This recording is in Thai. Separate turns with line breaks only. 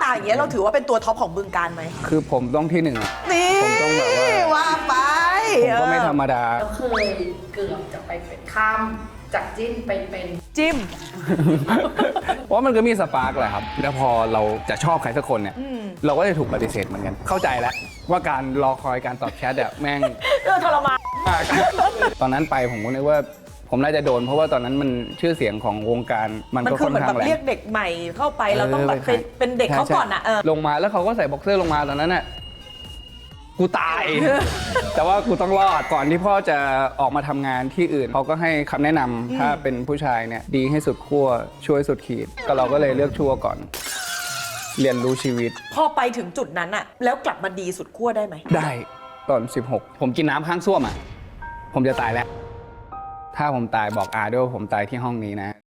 าอย่างเงี้ยเราถือว่าเป็นตัวท็อปของบึงการไหม
คือผมต้องที่หนึ่งอะ
นี่
ผมต้องแบบว่า
ไป
ผมก็ไม่ธรรมดา
เราเคยเกือบจะไปเป็นข้ามจากจิ้นไปเป็น
จิ้ม
เพราะมันก็มีสปาร์กแหละครับ แล้วพอเราจะชอบใครสักคนเนี่ย เราก็จะถูกปฏิเสธเหมือนกัน เข้าใจแล้วว่าการรอคอยการตอบแชทอะแม่ง
ทรมาน
มาก ตอนนั้นไปผมก็นึกว่าผมน่าจะโดน เพราะว่าตอนนั้นมันชื่อเสียงของวงการมัน
มัน
ก็
คือ
ค่อน
เหมือน
ข้า
แบ
ง
บ
แรง
เรียกเด็กใหม่เข้าไปเราต้องแบบเป็นเด็กเขาก่อนอ่ะ
ลงมาแล้วเขาก็ใส่บ็อกเซอร์ลงมาตอนนั้นน่ะกูตาย แต่ว่ากูต้องรอดก่อนที่พ่อจะออกมาทำงานที่อื่นเขาก็ให้คำแนะนำถ้าเป็นผู้ชายเนี่ยดีให้สุดขั้วช่วยสุดขีดก็เราก็เลยเลือกชั่วก่อน เรียนรู้ชีวิต
พอไปถึงจุดนั้นอ่ะ แล้วกลับมาดีสุดขั้วได้ไหม
ได้ตอน 16 ผมกินน้ำข้างส้วมอ่ะผมจะตายแล้ว ถ้าผมตายบอกอาด้วยว่าผมตายที่ห้องนี้นะ